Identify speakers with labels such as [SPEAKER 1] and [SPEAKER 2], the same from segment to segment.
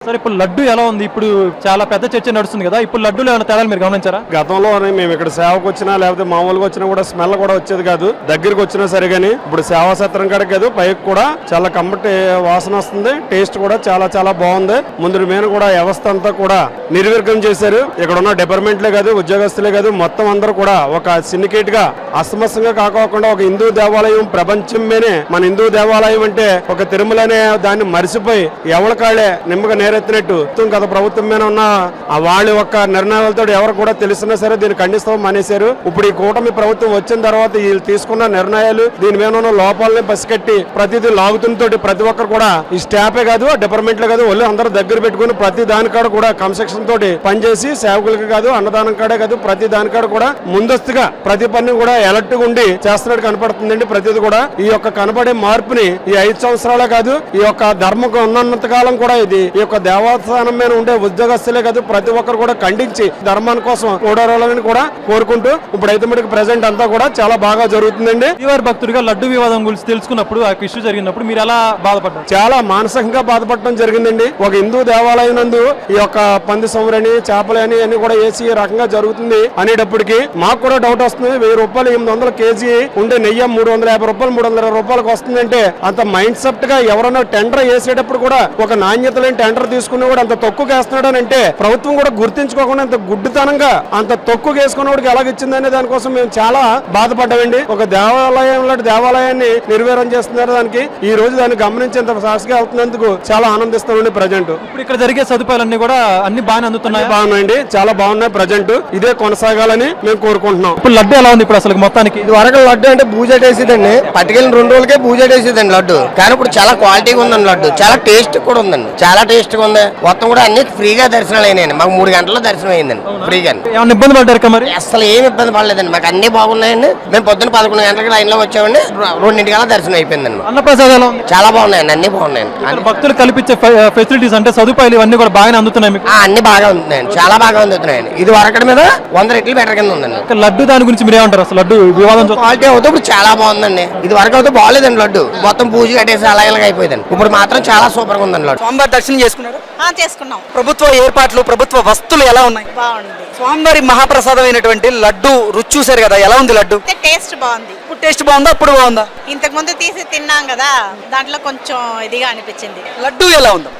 [SPEAKER 1] Sir ఇప్పుడు లడ్డు ఎలా ఉంది? ఇప్పుడు చాలా పెద్ద చర్చ నడుస్తుంది కదా, ఇప్పుడు లడ్డూలో ఏమైనా తేడాలు మీరు గమనించారా?
[SPEAKER 2] గతంలో మేము ఇక్కడ సేవకు వచ్చినా లేకపోతే మామూలుగా వచ్చినా కూడా స్మెల్ కూడా వచ్చేది కాదు, దగ్గరికి వచ్చినా సరే కానీ ఇప్పుడు సేవా సత్రం కాడికి కాదు పైకి కూడా చాలా కమ్మటి వాసన వస్తుంది. టేస్ట్ కూడా చాలా చాలా బాగుంది. ముందు మీద కూడా వ్యవస్థ అంతా కూడా నిర్వీర్యం చేశారు. ఇక్కడ ఉన్న డిపార్ట్మెంట్లే కాదు, ఉద్యోగస్తులే కాదు, మొత్తం అందరూ కూడా ఒక సిండికేట్ గా అస్తమస్తంగా కాకోకుండా ఒక హిందూ దేవాలయం ప్రపంచం మీదే మన హిందూ దేవాలయం అంటే ఒక తిరుమల అనే దాన్ని మరిసిపోయి ఎవరి కాళ్ళే నిమ్మగా నేరెత్తినట్టు గత ప్రభుత్వం మీద ఉన్న వాళ్ళ యొక్క నిర్ణయాలతో ఎవరు కూడా తెలిసినా సరే దీన్ని ఖండిస్తాం మానేశారు. ఇప్పుడు ఈ కూటమి ప్రభుత్వం వచ్చిన తర్వాత వీళ్ళు తీసుకున్న నిర్ణయాలు దీని మీద ఉన్న లోపాలని పసిగట్టి ప్రతిదీ లాగుతుంటోటి ప్రతి ఒక్కరు కూడా ఈ స్టాఫే కాదు, డిపార్ట్మెంట్లే కాదు, వాళ్ళు అందరూ దగ్గర పెట్టుకుని ప్రతి దానికాడ కూడా కన్స్ట్రక్షన్ తోటి పనిచేసి సేవకులకి కాదు, అన్నదానం కాడే కాదు, ప్రతి దానికాడ కూడా ముందస్తుగా ప్రతి పని కూడా ఎలర్ట్ గా ఉండి చేస్తున్నట్టు కనపడుతుందండి. ప్రతిది కూడా ఈ యొక్క కనపడే మార్పుని ఈ 5 సంవత్సరాలే కాదు, ఈ యొక్క ధర్మం ఉన్నంత కాలం కూడా ఇది ఈ యొక్క దేవస్థానం మీద ఉండే ఉద్యోగస్తులే కాదు ప్రతి ఒక్కరు కూడా ఖండించి ధర్మాని కోసం ఓడారాలని కూడా కోరుకుంటూ ఇప్పుడైతే మనకి ప్రెసెంట్ అంతా కూడా చాలా బాగా జరుగుతుందండి.
[SPEAKER 1] శ్రీవారి భక్తుడిగా లడ్డు వివాదం గురించి తెలుసుకున్నప్పుడు, ఆ ఇష్యూ జరిగినప్పుడు మీరు ఎలా బాధపడ్డారు?
[SPEAKER 2] చాలా మానసికంగా బాధపడటం జరిగిందండి. ఒక హిందూ దేవాలయం నందు ఈ యొక్క పంది సంవరని చేపలు అని అన్ని కూడా వేసి ఈ రకంగా జరుగుతుంది అనేటప్పటికి మాకు కూడా డౌట్ వస్తుంది. 1000 రూపాయలు 800 కేజీ ఉండే నెయ్యి 350 రూపాయలు 320 రూపాయలకు వస్తుందంటే అంత మైండ్ సెట్ గా ఎవరన్నా టెండర్ వేసేటప్పుడు కూడా ఒక నాణ్యత లేని టెండర్ తీసుకుని కూడా అంత తక్కువ వేస్తున్నాడు అని అంటే ప్రభుత్వం కూడా గుర్తించుకోకుండా అంత గుడ్డితనంగా అంత తక్కువ వేసుకున్నవాడికి ఎలాగిచ్చిందనే దానికోసం మేము చాలా బాధపడ్డామండి. ఒక దేవాలయం లాంటి దేవాలయాన్ని నిర్వీర్యం చేస్తున్నారు. దానికి ఈ రోజు దాన్ని గమనించేంత సాక్షిగా అవుతున్నందుకు చాలా ఆనందిస్తామండి. ప్రజెంట్
[SPEAKER 1] ఇప్పుడు ఇక్కడ జరిగే సదుపాయాలన్నీ కూడా అన్ని బాగానే అందుతున్నాయి.
[SPEAKER 2] బాగున్నాయండి, చాలా బాగున్నాయి. ప్రజెంట్ ఇదే కొనసాగాలని మేము కోరుకుంటున్నాం.
[SPEAKER 1] ఇప్పుడు లడ్డు ఎలా ఉంది ఇప్పుడు అసలు మొత్తానికి?
[SPEAKER 3] ఇది వరకు లడ్డు అంటే బూజెట్ వేసేదండి, పట్టుకెళ్ళిన 2 రోజులకే బూజెట్ వేసేదండి లడ్డు. కానీ ఇప్పుడు చాలా క్వాలిటీగా ఉందండి లడ్డు, చాలా టేస్ట్ కూడా ఉందండి, చాలా టేస్ట్ గా ఉంది. మొత్తం కూడా అన్ని ఫ్రీగా దర్శనాలు అయినాయండి. మాకు 3 గంటల్లో దర్శనం అయిందండి ఫ్రీగా.
[SPEAKER 1] ఏమైనా ఇబ్బంది పడ్డారు మరి?
[SPEAKER 3] అసలు ఏమి ఇబ్బంది పడలేదండి, మాకు అన్ని బాగున్నాయండి. మేము పొద్దున్న 11 గంటలకు లైన్ లో వచ్చామండి, 2:00 దర్శనం అయిపోయిందండి.
[SPEAKER 1] అన్నప్రసాదాలు
[SPEAKER 3] చాలా బాగున్నాయండి, అన్ని బాగున్నాయండి.
[SPEAKER 1] భక్తులు కల్పించే ఫెసిలిటీస్ అంటే సదుపాయాలు ఇవన్నీ కూడా బాగానే అందుతున్నాయి మీకు?
[SPEAKER 3] అన్ని బాగా ఉంటున్నాయండి, చాలా బాగా అందుతున్నాయండి. ఇది వరకటి మీద 100 రెట్లు బెటర్ కింద ఉందండి.
[SPEAKER 1] లడ్డు దాని గురించి మీరు ఏమంటారు? అసలు లడ్డు వివాదం
[SPEAKER 3] క్వాలిటీ అవుతే ఇప్పుడు చాలా బాగుందండి. ఇది వరకు అయితే బాగాలేదండి లడ్డు, మొత్తం పూజ కట్టేసి అలా ఇలాగ అయిపోయిందండి. ఇప్పుడు మాత్రం చాలా సూపర్ గా ఉందండి లడ్డు.
[SPEAKER 4] స్వామివారి దర్శనం చేసుకున్నారు?
[SPEAKER 5] చేసుకున్నాం.
[SPEAKER 4] ప్రభుత్వ ఏర్పాట్లు, ప్రభుత్వ వస్తువులు ఎలా ఉన్నాయి?
[SPEAKER 5] బాగుంది.
[SPEAKER 4] స్వామివారి మహాప్రసాదం అయినటువంటి లడ్డు రుచి చూసారు కదా, ఎలా ఉంది లడ్డు?
[SPEAKER 5] టేస్ట్ బాగుంది.
[SPEAKER 4] ఇప్పుడు టేస్ట్ బాగుందా, అప్పుడు బాగుందా?
[SPEAKER 5] ఇంతకు ముందు తీసి తిన్నాం కదా, దాంట్లో కొంచెం ఇదిగా అనిపించింది.
[SPEAKER 4] లడ్డు ఎలా ఉంది?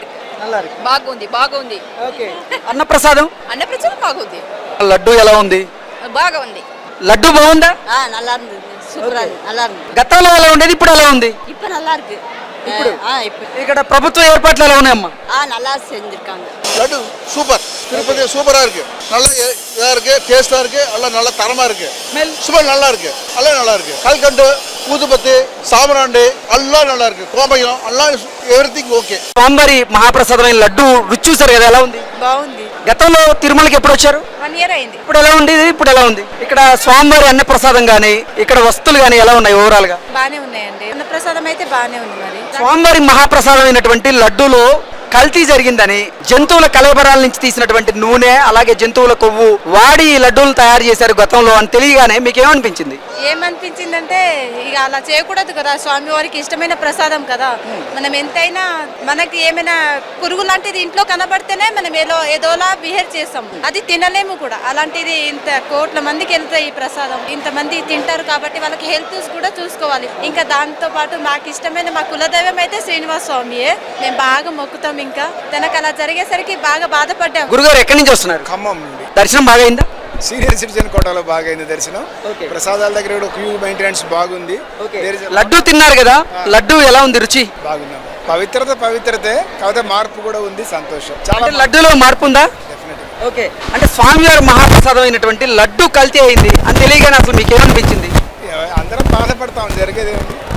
[SPEAKER 6] బాగుంది, బాగుంది.
[SPEAKER 4] ఓకే. అన్నప్రసాదం?
[SPEAKER 6] అన్నప్రసాదం బాగుంది.
[SPEAKER 4] లడ్డు ఎలా ఉంది?
[SPEAKER 6] బాగా ఉంది.
[SPEAKER 4] లడ్డు బాగుందా?
[SPEAKER 5] நல்லா இருந்தது, சூப்பரா இருக்கு, நல்லா இருந்தது.
[SPEAKER 4] గతంలో ఎలా ఉండేది, ఇప్పుడు ఎలా ఉంది?
[SPEAKER 5] இப்ப நல்லா இருக்கு.
[SPEAKER 4] ఇప్పుడు
[SPEAKER 5] இப்ப
[SPEAKER 4] ఇక్కడ ప్రభుత్వ ఏర్పాట్లు ఎలా ఉన్నాయమ్మా?
[SPEAKER 5] நல்லா செஞ்சிருக்காங்க.
[SPEAKER 7] லட்டு சூப்பர், திருப்பதி சூப்பரா இருக்கு, நல்லா இதா இருக்கு, டேஸ்டா இருக்கு, எல்லாம் நல்ல தரமா இருக்கு, சுமல் நல்லா இருக்கு, எல்லாம் நல்லா இருக்கு. கல்கண்டு, ஊதுபத்தி, சாமராண்டி எல்லாம் நல்லா இருக்கு, கோமயம் எல்லாம் ఎవ్రీథింగ్ ఓకే.
[SPEAKER 4] స్వామివారి మహాప్రసాదమైన లడ్డు రుచి చూసారు కదా, ఎలా ఉంది?
[SPEAKER 5] బాగుంది.
[SPEAKER 4] గతంలో తిరుమలకి ఎప్పుడు వచ్చారు?
[SPEAKER 5] 1 year అయింది.
[SPEAKER 4] ఇప్పుడు ఎలా ఉంది? ఇప్పుడు ఎలా ఉంది? ఇక్కడ స్వామివారి అన్న ప్రసాదం గానీ, ఇక్కడ వస్తువులు గానీ ఎలా ఉన్నాయి ఓవరాల్ గా?
[SPEAKER 5] బానే ఉన్నాయండి. అన్నప్రసాదం అయితే బానే ఉంది. మరి
[SPEAKER 4] స్వామివారి మహాప్రసాదం అయినటువంటి లడ్డూలో కల్తీ జరిగిందని, జంతువుల కలబరాల నుంచి తీసినటువంటి నూనె, అలాగే జంతువుల కొవ్వు వాడి లడ్డూలు తయారు చేశారు గతంలో అని తెలియగానే మీకు ఏమనిపించింది?
[SPEAKER 5] ఏమనిపించిందంటే ఇక అలా చేయకూడదు కదా, స్వామివారికి ఇష్టమైన ప్రసాదం కదా. మనం ఎంతైనా మనకి ఏమైనా పురుగు లాంటిది ఇంట్లో కనబడితేనే మనం ఏదోలా బిహేవ్ చేస్తాం, అది తినలేము కూడా. అలాంటిది ఇంత కోట్ల మందికి వెళ్తాయి ఈ ప్రసాదం, ఇంతమంది తింటారు కాబట్టి వాళ్ళకి హెల్త్ కూడా చూసుకోవాలి. ఇంకా దాంతో పాటు మాకు ఇష్టమైన మా కులదైవం అయితే శ్రీనివాస స్వామియే, మేము బాగా మొక్కుతాం. ఇంకా తనకు అలా జరిగేసరికి బాగా బాధపడ్డాం.
[SPEAKER 4] గురుగారు ఎక్కడి నుంచి వస్తున్నారు?
[SPEAKER 7] ఖమ్మం నుండి.
[SPEAKER 4] దర్శనం బాగా అయిందా?
[SPEAKER 7] సీనియర్ సిటిజన్ కోటాలో బాగా అయింది దర్శనం. ప్రసాదాల దగ్గర కూడా క్యూ మెయింటెనెన్స్ బాగుంది.
[SPEAKER 4] లడ్డు తిన్నారు కదా, లడ్డు ఎలా ఉంది రుచి?
[SPEAKER 7] బాగుంది. పవిత్రతే కాకపోతే మార్పు కూడా ఉంది, సంతోషం. చాలా
[SPEAKER 4] లడ్డూలో మార్పు ఉందా? ఓకే. అంటే స్వామివారి మహాప్రసాదం అయినటువంటి లడ్డు కల్తీ అయింది అని తెలియగానే అసలు మీకు ఏమనిపించింది?
[SPEAKER 7] అందరం బాధపడతాం, జరిగేది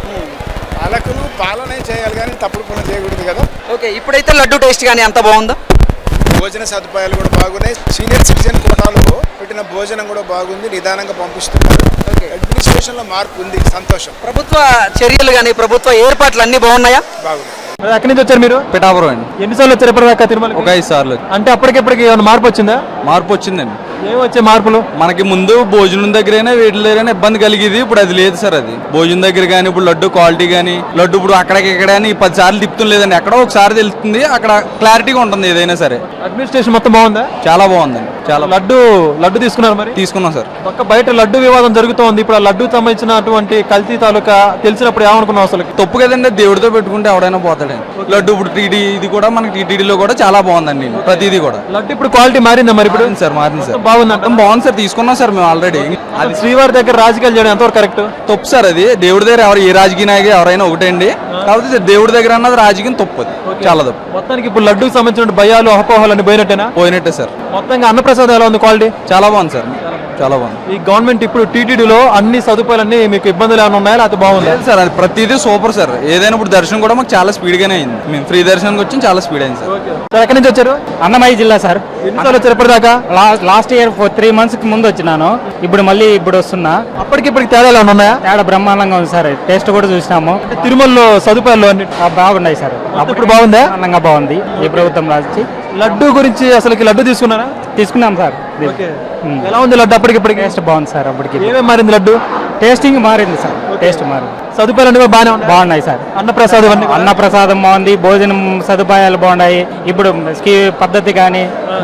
[SPEAKER 7] పాలకులు పాలనే చేయాలి కానీ తప్పుడు పనులు చేయకూడదు కదా.
[SPEAKER 4] ఓకే. ఇప్పుడైతే లడ్డు టేస్ట్ కానీ అంత బాగుందా?
[SPEAKER 7] భోజన సదుపాయాలు కూడా బాగున్నాయి. సీనియర్ సిటిజన్ కోటాలో పెట్టిన భోజనం కూడా బాగుంది, నిదానంగా పంపిస్తున్నారు. అడ్మినిస్ట్రేషన్ లో మార్పు ఉంది, సంతోషం.
[SPEAKER 4] ప్రభుత్వ చర్యలు కానీ ప్రభుత్వ ఏర్పాట్లు అన్ని బాగున్నాయా?
[SPEAKER 7] బాగున్నాయి.
[SPEAKER 1] ఎక్కడి నుంచి వచ్చారు మీరు?
[SPEAKER 8] పిఠాపురం అండి.
[SPEAKER 1] ఎన్నిసార్లు వచ్చారు ఇప్పటిదాకా తిరుమల?
[SPEAKER 8] ఒక 5 సార్లు.
[SPEAKER 1] అంటే అప్పటికిప్పటికి ఏమైనా మార్పు వచ్చిందా?
[SPEAKER 8] మార్పు వచ్చిందండి.
[SPEAKER 1] ఏం వచ్చే మార్పులు?
[SPEAKER 8] మనకి ముందు భోజనం దగ్గరైనా వీటి దగ్గరైనా ఇబ్బంది కలిగేది, ఇప్పుడు అది లేదు సార్. అది భోజనం దగ్గర కానీ ఇప్పుడు లడ్డు క్వాలిటీ కానీ లడ్డు ఇప్పుడు అక్కడికి ఇక్కడ 10 సార్లు తిప్పుతుంది లేదండి, ఎక్కడో ఒకసారి తెలుస్తుంది, అక్కడ క్లారిటీగా ఉంటుంది ఏదైనా సరే.
[SPEAKER 1] అడ్మినిస్ట్రేషన్ మొత్తం బాగుందా?
[SPEAKER 8] చాలా బాగుందండి. చాలా
[SPEAKER 1] లడ్డు తీసుకున్నారు మరి?
[SPEAKER 8] తీసుకున్నాం సార్.
[SPEAKER 1] పక్క బయట లడ్డు వివాదం జరుగుతోంది. ఇప్పుడు ఆ లడ్డు సంబంధించినటువంటి కల్తీ తాలూకా తెలిసినప్పుడు ఏమనుకున్నాం అసలు?
[SPEAKER 8] తప్పు కదండి, దేవుడితో పెట్టుకుంటే ఎవడైనా పోతాడండి. లడ్డు ఇప్పుడు టీడీ ఇది కూడా మనకి టీటీడీలో కూడా చాలా బాగుందండి ప్రతిదీ కూడా.
[SPEAKER 1] లడ్డు ఇప్పుడు క్వాలిటీ మారిందా మరి? ఇప్పుడు
[SPEAKER 8] సార్ మారింది సార్,
[SPEAKER 1] బాగుందంట.
[SPEAKER 8] బాగుంది సార్, తీసుకున్నాం సార్ మేము ఆల్రెడీ.
[SPEAKER 1] అది శ్రీవారి దగ్గర రాజకీయాలు చేయడం ఎంతవరకు కరెక్ట్?
[SPEAKER 8] తప్పు సార్ అది. దేవుడి దగ్గర ఏ రాజకీయ నాయకుడు ఎవరైనా ఒకటే అండి, కాకపోతే దేవుడి దగ్గర అన్నది రాజకీయం తప్పు, అది చాలా తప్పు.
[SPEAKER 1] మొత్తానికి ఇప్పుడు లడ్డుకు సంబంధించిన భయాలు అపోహలు అన్ని పోయినట్టేనా?
[SPEAKER 8] పోయినట్టే సార్.
[SPEAKER 1] మొత్తంగా అన్నప్రసాదం ఎలా ఉంది క్వాలిటీ?
[SPEAKER 8] చాలా బాగుంది సార్, చాలా బాగుంది.
[SPEAKER 1] ఈ గవర్నమెంట్ ఇప్పుడు టీటీడీలో అన్ని సదుపాయాలన్నీ మీకు ఇబ్బందులు ఏమైనా ఉన్నాయా లేకపోతే బాగుంది?
[SPEAKER 8] లేదు సార్, అది ప్రతిదీ సూపర్ సార్. ఏదైనా ఇప్పుడు దర్శనం కూడా మాకు చాలా స్పీడ్ గానే అయింది. మేము ఫ్రీ దర్శనానికి వచ్చి చాలా స్పీడ్ అయింది సార్.
[SPEAKER 1] సార్ ఎక్కడి నుంచి వచ్చారు?
[SPEAKER 9] అన్నమయ్య జిల్లా సార్.
[SPEAKER 1] ఎన్నిసార్లు వచ్చారు ఇప్పటిదాకా?
[SPEAKER 9] లాస్ట్ ఇయర్ 3 months ముందు వచ్చినాను, ఇప్పుడు వస్తున్నా.
[SPEAKER 1] అప్పటికి ఇప్పటికి తేడాలు ఏమైనా ఉన్నాయా?
[SPEAKER 9] తేడా బ్రహ్మాండంగా ఉంది సార్, టేస్ట్ కూడా చూసినాము.
[SPEAKER 1] అంటే తిరుమలలో సదుపాయాలు అన్ని
[SPEAKER 9] బాగున్నాయి సార్.
[SPEAKER 1] ఇప్పుడు బాగుందా?
[SPEAKER 9] బ్రహ్మాండంగా బాగుంది ఈ ప్రభుత్వం రాసి.
[SPEAKER 1] లడ్డు గురించి అసలుకి లడ్డు తీసుకున్నారా?
[SPEAKER 9] తీసుకున్నాం సార్.
[SPEAKER 1] ఎలా ఉంది లడ్డు అప్పటికి ఇప్పటికి?
[SPEAKER 9] టేస్ట్ బాగుంది సార్. అప్పటికి
[SPEAKER 1] ఏమేమి మారింది లడ్డు?
[SPEAKER 9] టేస్టింగ్ మారింది సార్, టేస్ట్ మారింది.
[SPEAKER 1] సదుపాయాలు అన్ని కూడా
[SPEAKER 9] బాగున్నాయి సార్.
[SPEAKER 1] అన్నప్రసాదం
[SPEAKER 9] అన్నప్రసాదం బాగుంది, భోజనం సదుపాయాలు బాగున్నాయి. ఇప్పుడు పద్ధతి కానీ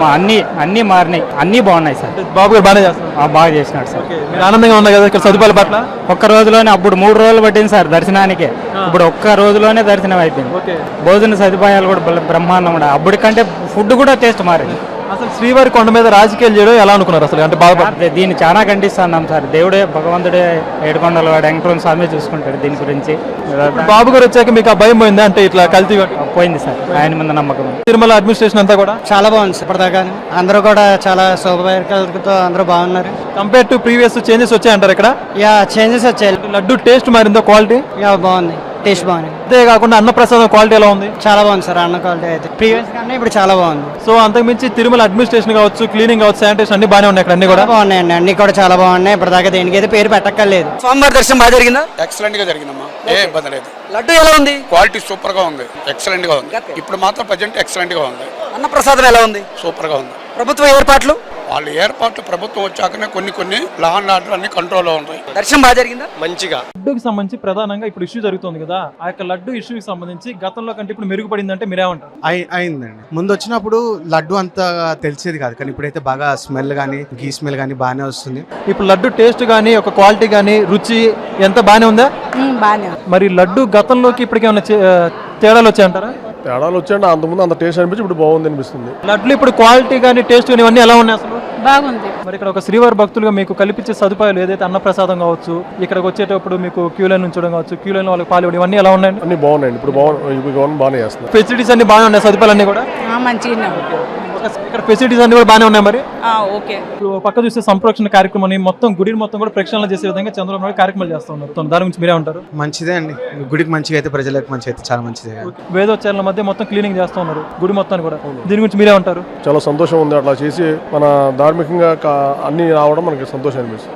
[SPEAKER 9] అన్ని మారినాయి, అన్ని బాగున్నాయి సార్.
[SPEAKER 1] బాబు గారు బాగానే చేస్తారు.
[SPEAKER 9] బాగా చేసినాడు సార్.
[SPEAKER 1] మీరు ఆనందంగా ఉన్నాయి కదా ఇక్కడ సదుపాయాల పట్ల?
[SPEAKER 9] ఒక్క రోజులోనే, అప్పుడు 3 రోజులు పట్టింది సార్ దర్శనానికి, ఇప్పుడు ఒక్క రోజులోనే దర్శనం అయిపోయింది. భోజన సదుపాయాలు కూడా బ్రహ్మాండం కూడా. అప్పటికంటే ఫుడ్ కూడా టేస్ట్ మారింది.
[SPEAKER 1] అసలు శ్రీవారి కొండ మీద రాజకీయాలు చేయడం ఎలా అనుకున్నారు అసలు? అంటే బాగా
[SPEAKER 9] దీన్ని చాలా ఖండిస్తున్నాం సార్. దేవుడే భగవంతుడే ఏడుకొండల వాడు వెంకటరమణ స్వామి చూసుకుంటాడు దీని గురించి.
[SPEAKER 1] బాబు గారు వచ్చాక మీకు ఆ భయం పోయిందా? అంటే ఇట్లా కల్తీ
[SPEAKER 9] పోయింది సార్, ఆయన మీద నమ్మకం.
[SPEAKER 1] తిరుమల అడ్మినిస్ట్రేషన్ అంతా కూడా
[SPEAKER 10] చాలా బాగుంది సార్. ఇప్పటిదాకా అందరూ కూడా చాలా సౌకర్యాలతో అందరూ బాగున్నారు.
[SPEAKER 1] కంపేర్ టు ప్రీవియస్ చేంజెస్ వచ్చాయంటారు ఇక్కడ?
[SPEAKER 10] యా, చేంజెస్ వచ్చాయి.
[SPEAKER 1] లడ్డు టేస్ట్ మారిందో? క్వాలిటీ
[SPEAKER 10] యా బాగుంది, టేస్ట్ బాగుంది.
[SPEAKER 1] అంతే కాకుండా అన్నప్రసాదం క్వాలిటీ ఎలా ఉంది?
[SPEAKER 10] చాలా బాగుంది సార్. అన్న క్వాలిటీ అయితే ప్రీవియస్ కన్నా ఇప్పుడు చాలా బాగుంది.
[SPEAKER 1] సో అంతకుమించి తిరుమల అడ్మినిస్ట్రేషన్ కావచ్చు, క్లీనింగ్ కావచ్చు, శానిటేషన్ అన్ని బాగానే ఉన్నాయి ఇక్కడ. అన్ని కూడా
[SPEAKER 10] బాగున్నాయండి, అన్ని కూడా చాలా బాగున్నాయి. ఇప్పటిదాకా దేనికైతే పేరు పెట్టక్కర్లేదు.
[SPEAKER 4] స్వామివారి దర్శనం బాగా జరిగిందా?
[SPEAKER 11] ఎక్సలెంట్ గా జరిగిందమ్మా, ఏ ఇబ్బంది లేదు.
[SPEAKER 4] లడ్డు ఎలా ఉంది?
[SPEAKER 11] క్వాలిటీ సూపర్ గా ఉంది, ఎక్సలెంట్ గా ఉంది. ఇప్పుడు మాత్రం ప్రజెంట్ ఎక్సలెంట్ గా ఉంది.
[SPEAKER 4] అన్నప్రసాదం ఎలా ఉంది?
[SPEAKER 11] సూపర్ గా ఉంది.
[SPEAKER 4] ప్రభుత్వ ఏర్పాట్లు?
[SPEAKER 11] వాళ్ళ ఏర్పాట్లు ప్రభుత్వం వచ్చాకనే కొన్ని లా అండ్ ఆర్డర్ అన్ని కంట్రోల్లో ఉంటాయి.
[SPEAKER 4] దర్శనం బాగా జరిగిందా?
[SPEAKER 11] మంచిగా.
[SPEAKER 1] లడ్డుకి సంబంధించి ప్రధానంగా ఇప్పుడు ఇష్యూ జరుగుతుంది కదా, ఆ యొక్క లడ్డు ఇష్యూకి సంబంధించి గతంలో కంటే ఇప్పుడు మెరుగుపడిందంటే మీరేమంటారు?
[SPEAKER 12] అయిందండి. ముందు వచ్చినప్పుడు లడ్డు అంత తెలిసేది కాదు, కానీ ఇప్పుడైతే బాగా స్మెల్ కానీ గీ స్మెల్ కానీ బాగానే వస్తుంది.
[SPEAKER 1] ఇప్పుడు లడ్డు టేస్ట్ కానీ ఒక క్వాలిటీ కానీ రుచి ఎంత బాగానే ఉందా?
[SPEAKER 5] బాగా.
[SPEAKER 1] మరి లడ్డు గతంలోకి ఇప్పటికి ఏమైనా తేడాలు వచ్చాయంటారా?
[SPEAKER 2] తేడాలు వచ్చాయండి, అంతకుముందు అంత టేస్ట్ అనిపించి ఇప్పుడు బాగుంది అనిపిస్తుంది.
[SPEAKER 1] లడ్లు ఇప్పుడు క్వాలిటీ కానీ టేస్ట్ కానీ ఇవన్నీ ఎలా ఉన్నాయి అసలు?
[SPEAKER 5] బాగుంది.
[SPEAKER 1] మరి ఇక్కడ ఒక శ్రీవారి భక్తులుగా మీకు కల్పించే సదుపాయాలు ఏదైతే అన్నప్రసాదం కావచ్చు, ఇక్కడికి వచ్చేటప్పుడు మీకు క్యూ లైన్ ఉంచడం కావచ్చు, క్యూ లైన్ వాళ్ళకి పాలు ఇవన్నీ ఎలా ఉన్నాయండి?
[SPEAKER 2] అన్ని బాగున్నాయండి, ఇప్పుడు గవర్నమెంట్ బాగానే చేస్తుంది.
[SPEAKER 1] ఫెసిలిటీస్ అన్ని బాగానే ఉన్నాయి, సదుపాయాలు అన్ని కూడా
[SPEAKER 5] మంచిగా
[SPEAKER 1] ఇక్కడ ఫెసిలిటీస్ అన్ని కూడా బాగానే ఉన్నాయి. మరి
[SPEAKER 5] ఓకే.
[SPEAKER 1] ఇప్పుడు పక్క చూస్తే సంప్రోక్షణ కార్యక్రమాన్ని మొత్తం గుడిని మొత్తం కూడా ప్రక్షాళన చేసే విధంగా చంద్రబాబు నాయుడు కార్యక్రమాలు చేస్తూ ఉన్నారు. దాని గురించి మీరే ఉంటారు?
[SPEAKER 12] మంచిదే అండి, గుడికి మంచిగా అయితే ప్రజలకు మంచిగా అయితే చాలా మంచిదే.
[SPEAKER 1] వేదోచ్చారణల మధ్య మొత్తం క్లీనింగ్ చేస్తూ ఉన్నారు గుడి మొత్తాన్ని కూడా. దీని గురించి మీరే ఉంటారు?
[SPEAKER 2] చాలా సంతోషం ఉంది, అట్లా చేసి మన ధార్మికంగా అన్ని రావడం మనకి సంతోషం అనిపిస్తుంది.